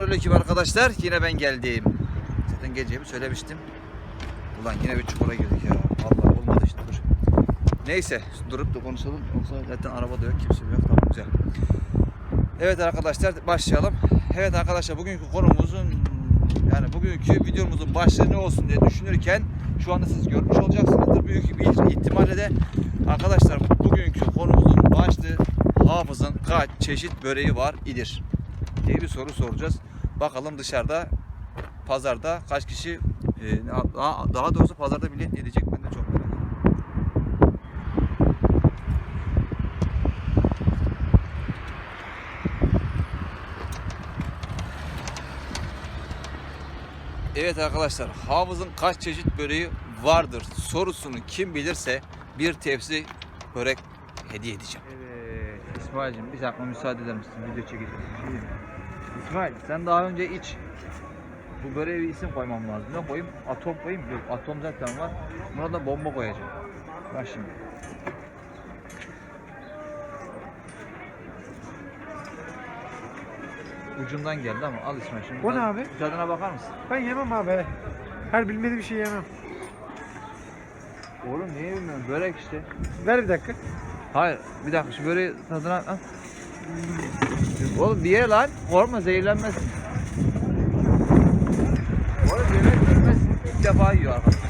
Selamünaleyküm arkadaşlar. Yine ben geldim. Zaten gecemi söylemiştim. Ulan yine bir çukura girdik ya. Allah olmadı işte, dur. Neyse durup da konuşalım. Yoksa zaten araba da yok, kimse yok. Tamam, güzel. Evet arkadaşlar, başlayalım. Evet arkadaşlar, bugünkü konumuzun bugünkü videomuzun başlığı ne olsun diye düşünürken şu anda siz görmüş olacaksınızdır. Büyük bir ihtimalle de arkadaşlar bugünkü konumuzun başlığı hafızın kaç çeşit böreği var idir diye bir soru soracağız. Bakalım dışarıda pazarda kaç kişi daha doğrusu pazarda bilet yiyecek, ben de çok merak ediyorum. Evet arkadaşlar, hafızın kaç çeşit böreği vardır sorusunu kim bilirse bir tepsi börek hediye edeceğim. Evet İsmail'cim, bir dakika müsaade eder misin? Video çekeceğiz. İsmail, sen daha önce iç. Bu böreğe bir isim koymam lazım. Ne koyayım? Atom koyayım? Yok, atom zaten var. Buna da bomba koyacağım. Bak şimdi. Ucundan geldi ama al İsmail şimdi. O ne abi? Tadına bakar mısın? Ben yemem abi. Her bilmediğim bir şey yemem. Oğlum niye bilmiyorum? Börek işte. Ver bir dakika. Hayır, bir dakika şu böreği tadına al. Oğlum diye lan, korkma, zehirlenmesin. Oğlum yemek bilmezsin, ilk defa yiyor arkadaşlar.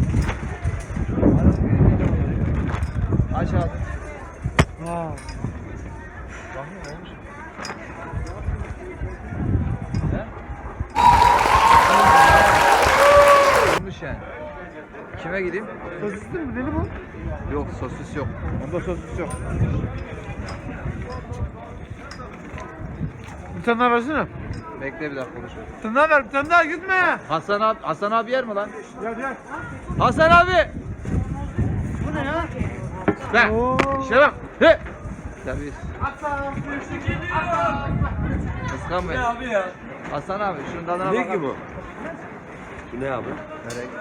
Aç abi. Aa. Bakayım olmuş. He? Olmuş yani. Kime gideyim? Sosisli mi? Deli bu? Yok, sosis yok. Onda sosis yok. Bir tane daha versene. Bekle bir dakika konuşalım. Bir tane daha ver. Bir tane daha gitme. Hasan abi yer mi lan? Gel. Hasan abi! Bu ne ya? Bak, Oo. işte bak. He! Tabii. Hasan. Kıskanmayın. Ne abi ya? Hasan abi, şunun tadına Ne bakar ki bu? mısın? Bu ne abi? Börek.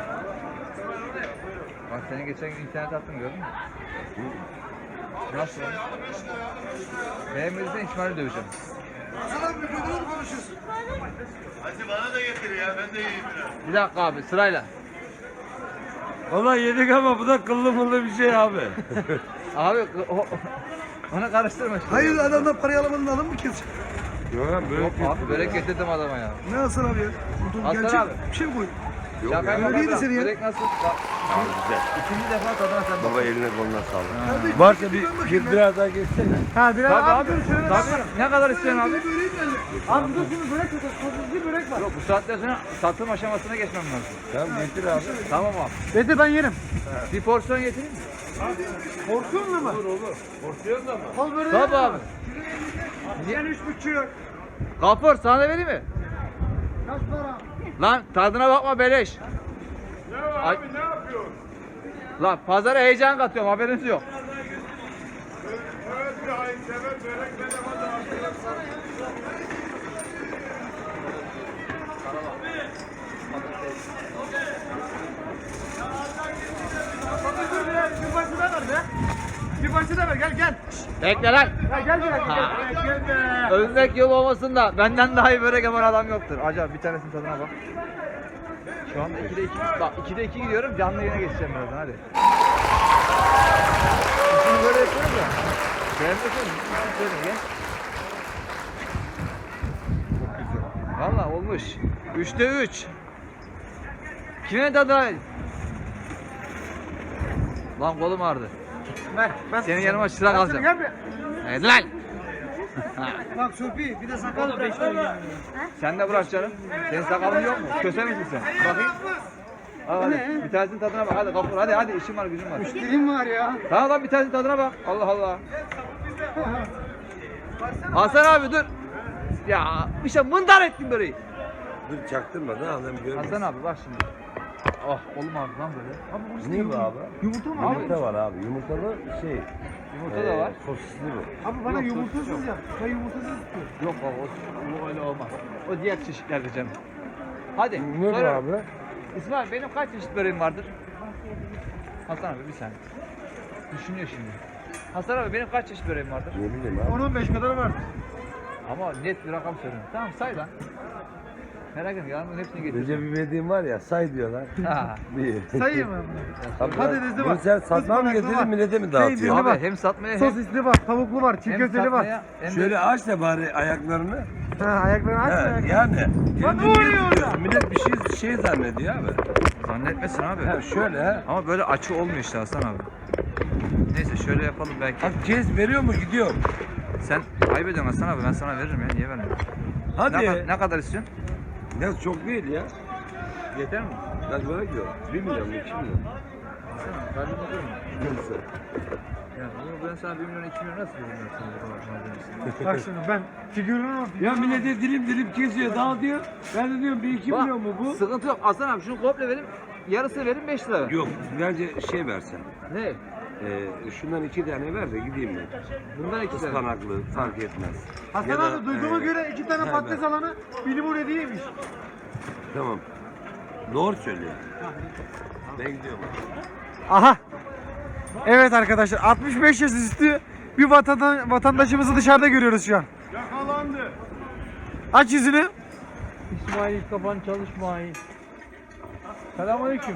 Bak seni geçen gün internet attım, gördün mü? Nasıl? Beğenmediysen İsmail'i döveceğim. Hadi bana da getir ya, ben de yiyeyim biraz. Bir dakika abi, sırayla. Vallahi yedik ama bu da kıllı mıllı bir şey abi. Abi onu karıştırma şimdi. Hayır, adamdan parayı alamadın, alın mı kesecek? Yok abi böyle Yok abi, börek getirdim adama ya. Ne Hasan abi ya? Hasan Gerçek abi. bir şey mi koy? Yok Şaka ya. yapma Öyleydi bırak. seni ya. Börek nasıl? Bak, Abi güzel. ikinci defa tadına sen bak. Baba eline koluna sağlık. Kardeşim, Varsa ben bakayım bir ben. biraz daha geçsene. Ha biraz Tabii abi. abi. Dur şöyle Tabii. Ne kadar istiyorsun abi? Böreği geldi. Abi dur şimdi börek yok. Sosisli börek var. Yok, bu saatten sonra satım aşamasına geçmem lazım. Tamam getir abi. Tamam abi. Getir ben yerim. Bir porsiyon getireyim mi? Porsiyonla mı? Porsiyon da mı? Al böreği. Tabii abi. Sen 3,5. Kapor, sana da vereyim mi? Kaç para? Lan tadına bakma beleş. Ne var abi, ne yapıyorsun? Lan pazara heyecan katıyorum, haberiniz yok. Evet, bir hayırsever börek bedava dağıtıyor. Dur bir parça daha ver be. Bir parça daha ver gel. Bekle lan. Ya gel bir dakika. Gel be. Övmek yol olmasın da benden daha iyi börek yapan adam yoktur. Acaba bir tanesinin tadına bak. Şu anda 2'de 2. Bak 2'de 2 gidiyorum. Canlı yayına geçeceğim birazdan, hadi. Şimdi böyle yapıyoruz ya. Beğenmiyorsun. Gel. Valla olmuş. 3'te 3. Kimin tadına? Lan kolum ağrıdı. Ver. Ben Senin yanıma çırak alacağım. Gel bir. Evet lan. Bak Sofi bir de sakal 5 lira. Sen de bırak canım. Senin sakalın yok mu? Köse misin sen? Bakayım. Al hadi. Bir tanesinin tadına bak. Hadi kapur. Hadi işim var, gücüm var. Dilim var ya. Tamam lan, bir tanesinin tadına bak. Allah Allah. Hasan abi dur. Ya işte mındar ettin böreği. Dur çaktırma da adam görmesin. Hasan abi bak şimdi. Oh kolum ağrıdı lan böyle. Abi burası Ne bu abi? Yumurta mı abi? Yumurta var abi. Yumurtalı şey. Yumurta da var. Sosisli bu. Abi bana Yok, yumurtasız yok. yap. Ben yumurtasız istiyorum. Yok baba, o öyle olmaz. O diğer çeşitlerde canım. Hadi. Ne bu soruyorum. abi? İsmail, benim kaç çeşit böreğim vardır? Hasan abi bir saniye. Düşünüyor şimdi. Hasan abi, benim kaç çeşit böreğim vardır? Ne bileyim abi. 10-15 kadar var. Ama net bir rakam söylüyorum. Tamam say lan. Merak etme yarın hepsini getir. Recep İvedik'in var ya say diyorlar. Ha. Bir. Sayayım mı? Abi, Patatesli bunu var. sen satmaya mı Ispanaklı var. getirdin millete mi dağıtıyorsun? Peynirli var. Abi hem satmaya hem, Sosisli var, tavuklu var, çiğ hem köfteli var. satmaya hem de Şöyle aç da bari ayaklarını. Ha, ayaklarını aç Ha, ayaklarını. yani. Lan ne Millet oluyor biliyor, orada? millet bir şey zannediyor abi. zannetmesin abi. Ha, şöyle ha. Ama böyle açı olmuyor işte Hasan abi. Neyse şöyle yapalım belki. Bak kes veriyor mu gidiyor. Sen kaybediyorsun Hasan abi ben sana veririm ya niye vermiyorum? Hadi. Ne kadar istiyorsun? Ya çok değil ya. Yeter mi? Ben böyle diyorum. 1 milyon mu 2 milyon? Hasan abi kalbim olur mu? Neyse. Ya bunu ben sana 1 milyon 2 milyon nasıl veririm ben sana bu kadar malzemesini? Bak şimdi ben figürünü Ya millete dilim kesiyor dağıtıyor. Ben de diyorum 1-2 Bak, milyon mu bu? Sıkıntı yok Hasan abi şunu komple verin. Yarısını verin 5 lira ver. Yok bence şey versen. Ne? Şundan 2 tane ver de gideyim ben. Bundan 2 lira. Ispanaklı fark etmez. Hasan Ya da, abi duyduğuma göre 2 tane he, patates alanı bir limon hediyeymiş. Tamam. Doğru söylüyor. Ben gidiyorum. Aha. Evet arkadaşlar 65 yaş üstü bir vatandaşımızı dışarıda görüyoruz şu an. Yakalandı. Aç yüzünü. İsmail kafan çalışmayın. Selamünaleyküm.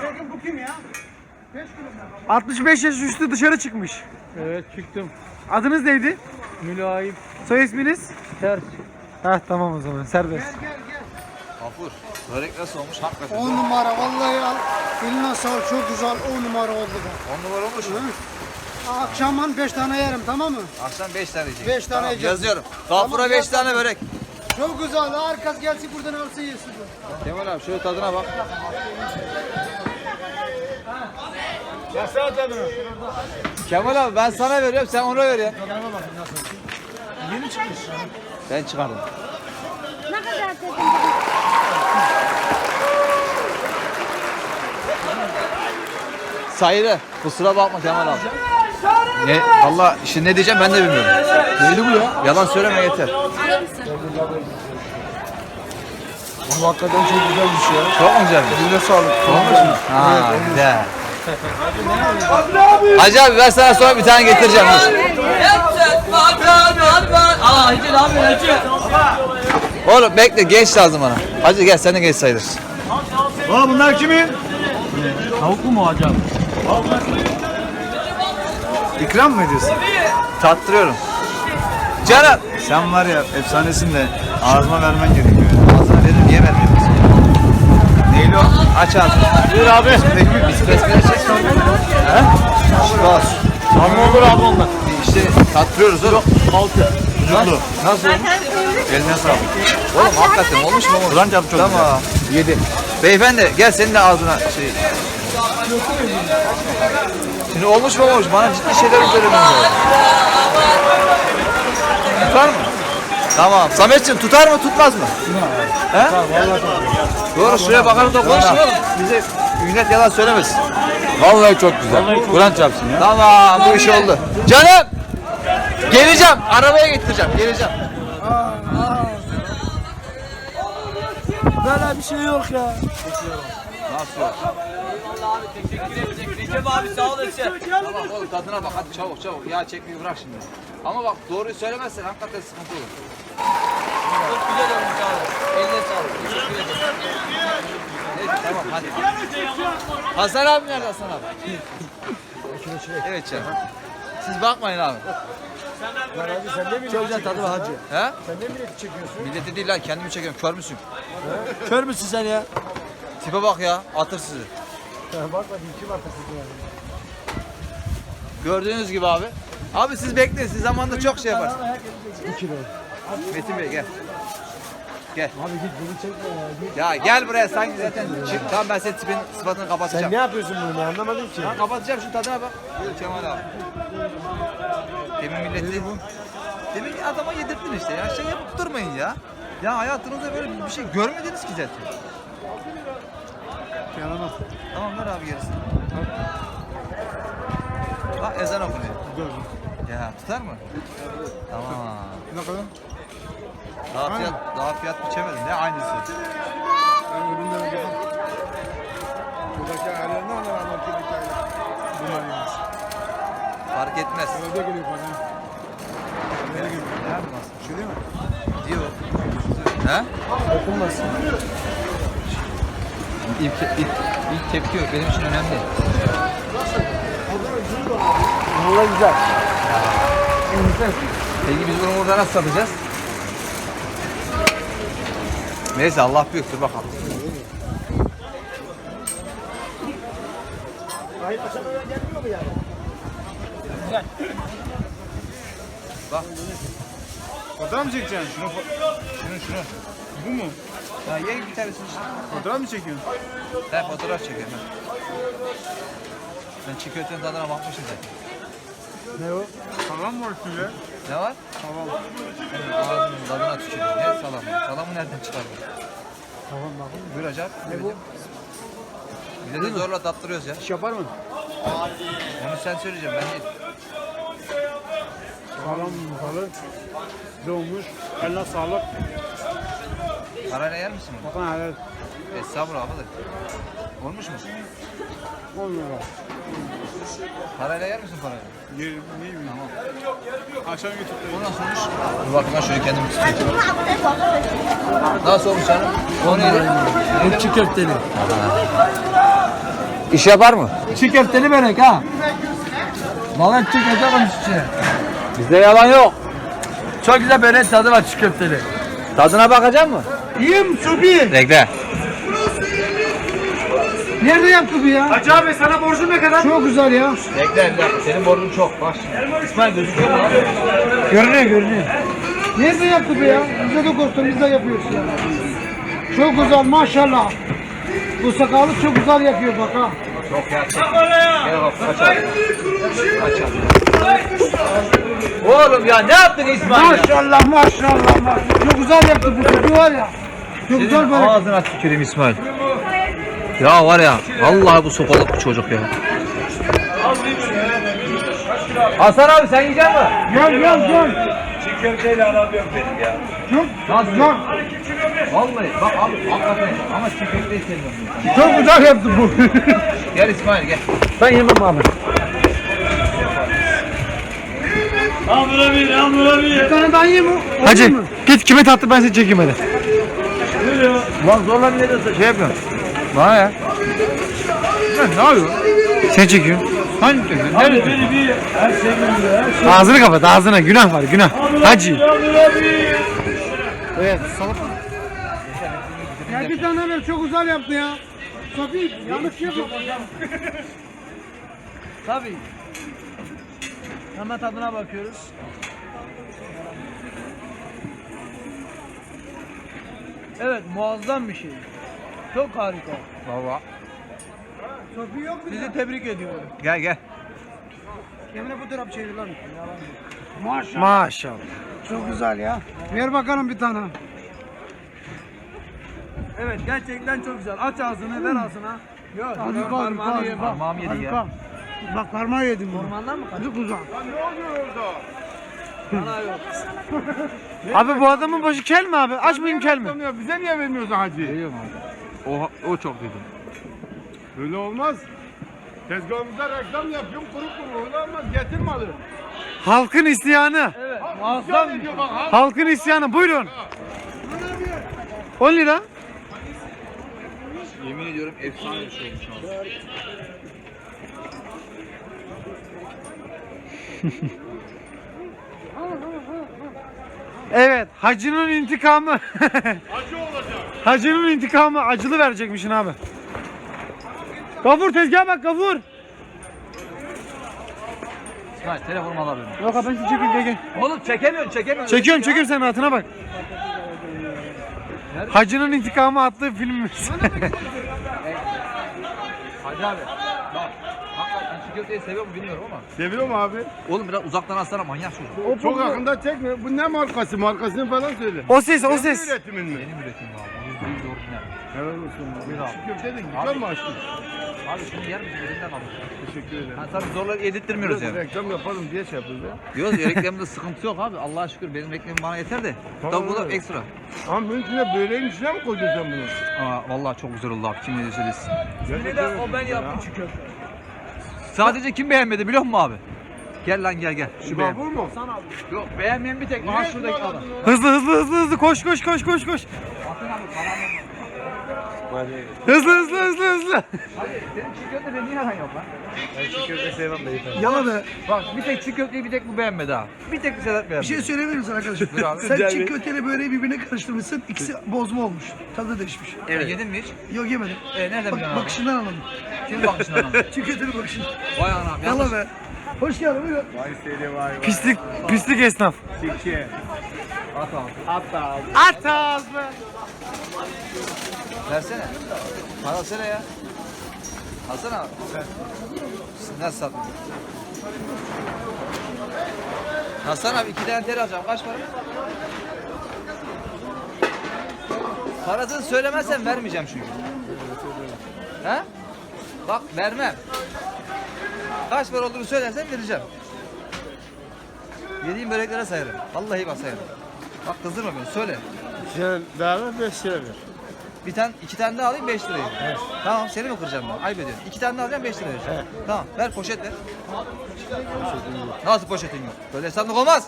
65 yaş üstü dışarı çıkmış. Evet çıktım. Adınız neydi? Mülayim Soy isminiz? ters. Heh tamam o zaman serbest. Gafur. Börek nasıl olmuş hakikaten? 10 numara vallahi al. Eline sağlık çok güzel 10 numara oldu bu. 10 numara olmuş mu? Akşamdan 5 tane yerim tamam mı? Akşam 5 tane yiyecek. 5 tane Tamam, yiyeceğim. yazıyorum. Gafur'a 5 tane börek. Çok güzel. Herkes gelsin buradan alsın yesin. Kemal abi şöyle tadına bak. Yasal tadına. Kemal abi ben sana veriyorum sen ona veriyorsun. Yeni çıkmış. Ben çıkardım. Ne kadar dedim? Sayılı. Kusura bakma Kemal abi. Ne? Valla şimdi ne diyeceğim ben de bilmiyorum. Neydi bu ya? Yalan söyleme yeter. Alır mısın? Bu hakikaten çok güzelmiş ya. Çok mu güzel? Eline sağlık. Olmuş mu? Ha güzel. Hacı abi ben sana sonra bir tane getireceğim. Dur. Oğlum bekle genç lazım bana. Hacı gel sen de genç sayılırsın. Aa bunlar kimin? Tavuklu mu acaba? İkram mı ediyorsun? Tattırıyorum. Canım. Sen var ya efsanesin de ağzıma vermen gerekiyor. Ağzına veririm niye vermiyorsun? Neyli o? Aç ağzını. Buyur abi. Biz besmele çek. He? Bas. Amma olur abi onlar. İşte tattırıyoruz oğlum. Sucuklu. Nasıl olmuş? Eline sağlık. Oğlum hakikaten olmuş mu? Kur'an çarpı çok güzel. Tamam. 7. Beyefendi gel senin de ağzına şey. Şimdi olmuş mu olmuş? Bana ciddi şeyler söylemeniz lazım. Tutar mı? Tamam. Sametciğim tutar mı tutmaz mı? He? Doğru şuraya bakalım da konuşalım. Bize millet yalan söylemesin. Vallahi çok güzel. Kur'an çarpsın ya. Tamam bu iş oldu. Canım! Geleceğim. Arabaya getireceğim. Geleceğim. Böyle bir şey yok ya. Nasıl yok? Tamam oğlum tadına bak hadi çabuk çabuk. Yağ çekmeyi bırak şimdi. Ama bak doğruyu söylemezsen hakikaten sıkıntı olur. Çok güzel olmuş abi. Eline sağlık. Teşekkür ederim. Neyse tamam hadi. Hasan abi nerede Hasan abi? Evet canım. Siz bakmayın abi. Çok güzel tadı var hacı. He? Sen ne milleti çekiyorsun? Milleti değil lan kendimi çekiyorum. Kör müsün? Kör müsün sen ya? Tipe bak ya. Atır sizi. Bak bakayım kim arkasında ya. Gördüğünüz gibi abi. Abi siz bekleyin. Siz zamanında çok şey yaparsınız. 2 kilo. Metin Bey gel. Gel. Abi git beni çekme ya. Git. Ya gel buraya sanki zaten çık. Tamam ben senin tipin sıfatını kapatacağım. Sen ne yapıyorsun bunu anlamadım ki. Ha, kapatacağım şu tadına bak. Buyur Kemal abi. Demin milleti demin ki adama yedirttin işte ya. Şey yapıp durmayın ya. Ya hayatınızda böyle bir şey görmediniz ki zaten. Yalamaz. Tamam ver abi gerisini. Bak ezan okunuyor. Ya tutar mı? Tamam. Ne kadar? Daha fiyat biçemedim. Ne aynısı? Ben üründen önce buradaki ayarlarını alır marketteki ayarlar. Bunlar yalnız. Fark etmez. Öyle geliyor bana. Nereye geliyor? Yani nasıl? Şey değil mi? Diyor. He? Dokunmasın. İlk tepki yok. Benim için önemli. Valla güzel. Peki biz bunu burada nasıl satacağız? Neyse Allah büyüktür bakalım. Bak. Fotoğraf mı çekeceksin? Şunu. Bu mu? Ya ye bir tanesini işte. Fotoğraf mı çekiyorsun? Ben fotoğraf çekerim. Ben çiğ köftenin tadına bakmışım zaten. Ne o? Salam mı var üstünde? Ne var? Salam. Ağzının tadına tükürüyor. Ne salamı? Salamı nereden çıkardın? Tamam bakın. Buyur Hacer. Ne bu? Bize de zorla tattırıyoruz ya. İş yapar mı? Onu sen söyleyeceksin ben değil. Salam balı. Doğmuş. Eline sağlık. Parayla yer misin bunu? Bakın helal. Estağfurullah abidir. Olmuş mu? Olmuyor. Parayla yer misin parayla? Yerim. Ne bileyim. Tamam. Akşam YouTube'da. Bu nasıl olmuş? Dur bakayım ben şöyle kendimi tutayım. Nasıl olmuş canım? O neydi? Çiğ köfteli. İş yapar mı? Çiğ köfteli börek ha. Vallahi çiğ köfte koymuş içine. Bizde yalan yok. Çok güzel börek tadı var çiğ köfteli. Tadına bakacak mı? Yiyeyim Subi. Bekle. Nerede yaptı bu ya? Hacı abi sana borcum ne kadar? Çok güzel ya. Bekle. Senin borcun çok. Bak şimdi. İsmail gözüküyor mu abi? Görünüyor. Nerede yaptı bu ya? Bize de korksun biz de yapıyoruz ya. Çok güzel maşallah. Bu sakalı çok güzel yapıyor bak ha. Çok ya. Gel bak kaç abi. Kaç abi. Oğlum ya ne yaptın İsmail ya? Maşallah. Çok güzel yaptı bu çocuğu var ya. Çok güzel Senin böyle. ağzına tüküreyim İsmail. Ya var ya vallahi bu sopalık bir çocuk ya. Hasan abi sen yiyecek misin? Gel. Çiğ köfteyle aram yok benim ya. Nasıl? Vallahi bak abi hakikaten ama çiğ köfteyi seviyorum. Çok güzel yaptı bu. Gel İsmail gel. Ben yemem abi. Bir tane daha yiyeyim mi? Hacı git kime tattı ben seni çekeyim hadi. Ulan zorla ne diyorsun şey yapıyorsun. Bana ya. Ne yapıyorsun? Sen çekiyorsun. Hangi çekiyorsun? Abi beni bir her şey biliyor. Her şey. Ağzını kapat ağzına günah var günah. Hacı. Evet salak. Ya bir tane ver çok güzel yaptı ya. Sofi yanlış yapma. Tabii. Hemen tadına bakıyoruz. Evet muazzam bir şey. Çok harika. Baba. Sofi yok mu? Sizi tebrik ediyorum. Gel. Emre bu taraf çeviriyor. Maşallah. Çok güzel ya. Ver bakalım bir tane. Evet gerçekten çok güzel. Aç ağzını ver ağzına. Yok. Hadi Parmağını ye bak. Parmağım yedi ya. Bak parmağı yedim. Ormandan mı kaçtın? Çok güzel. Bana yok. Abi bu adamın başı kel mi abi? Aç mıyım kel mi? Bize niye vermiyorsun hacı? Veriyorum abi. O çok dedim. Böyle olmaz. Tezgahımızda reklam yapıyorum kuru öyle olmaz. Getir malı. Halkın isyanı. Evet. Muazzam ediyor bak ha. Halkın isyanı. Buyurun. 10 lira. Yemin ediyorum efsane bir şey olmuş abi. Evet. Hacının intikamı. Hacı olacak. Hacının intikamı acılı verecekmişsin abi. Gafur tezgaha bak Gafur. İsmail telefonumu alabilirim. Yok abi ben sizi çekeyim gel. Oğlum çekemiyorsun. Çekiyorum sen rahatına bak. Hacının intikamı adlı filmimiz. Hadi abi. Bak. Hakikaten çiğ köfteyi seviyor mu bilmiyorum ama. Seviyor mu abi? Oğlum biraz uzaktan alsana manyak çocuk. Çok yakında çekme. Bu ne markası? Markasını falan söyle. O ses Senin üretimin mi? Benim üretimim abi. %100 orijinal. Helal olsun. Buyur abi. Şu köfte de güzel mi açtın? Abi şimdi yer misin? Elinden alın. Teşekkür ederim. Ha tabii zorla yedirtmiyoruz yani. Reklam yapalım diye şey yapıyoruz ya. Diyoruz ya reklamda sıkıntı yok abi. Allah'a şükür benim reklamım bana yeter de. Tabii bu da öyle. ekstra. Ama bunun içine böreğin içine mi koydun sen bunu? Aa, vallahi çok güzel oldu abi. Kim ne diyorsa desin. Bir de o ben yaptım çiğ köfte. Sadece kim beğenmedi biliyor musun abi? Gel lan gel. Şu beğen. Bu mu? Yok beğenmeyen bir tek. Aha şuradaki adam. Hızlı koş. Hızlı. Senin çiğ köfte de niye aran yok lan? Ben şu köfte sevmem de yeter. Yala be. Bak bir tek çiğ köfteyi bir tek bu beğenmedi ha. Bir tek bir Sedat Bir beğenmedi. şey söyleyebilir misin arkadaşım? Buyur abi. Sen çiğ köfteyle böreği birbirine karıştırmışsın. İkisi bozma olmuş. Tadı değişmiş. Evet. Yedin mi hiç? Yok yemedim. Nereden biliyorsun abi? Bakışından anladım. Kimin bakışından anladın? Çiğ köftenin bakışından. Vay anam yanlış. Yala be. Hoş geldin. Buyurun. Vay seni vay. Pislik esnaf. Sikçi. At abi. Hatta abi. At ağzına. Versene. Para alsana ya. Alsana abi. Nasıl sattın? Hasan abi 2 tane teri alacağım. Kaç para? Parasını söylemezsen vermeyeceğim çünkü. He? Bak vermem. Kaç para olduğunu söylersen vereceğim. Yediğim böreklere sayarım. Vallahi bak sayarım. Bak kızdırma beni söyle. Sen daha ver 5 lira ver. Bir tane, 2 tane daha alayım 5 lirayı. Tamam seni mi kıracağım ben? Ayıp ediyorsun. 2 tane daha alacağım 5 lira vereceğim. Tamam ver poşet ver. Nasıl poşetin yok? Böyle hesaplık olmaz.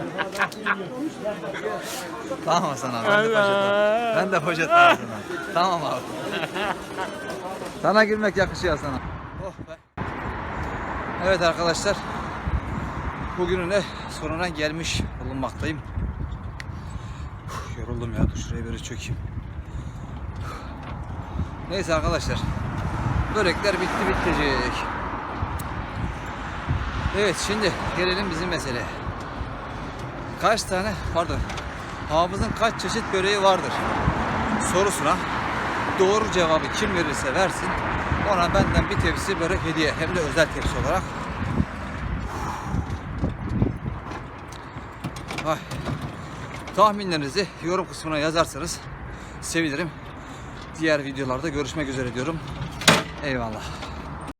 Tamam Hasan abi. Ben de poşet var. Ben de poşet var sana. Tamam abi. Sana girmek yakışıyor sana. Oh be. Evet arkadaşlar. Bugünün de sonuna gelmiş bulunmaktayım. Yoruldum ya. Dur şuraya böyle çökeyim. Neyse arkadaşlar. Börekler bitti bitecek. Evet şimdi gelelim bizim meseleye. Kaç tane hafızın kaç çeşit böreği vardır sorusuna doğru cevabı kim verirse versin ona benden bir tepsi börek hediye, hem de özel tepsi olarak. Ay. Tahminlerinizi yorum kısmına yazarsanız sevinirim. Diğer videolarda görüşmek üzere diyorum. Eyvallah.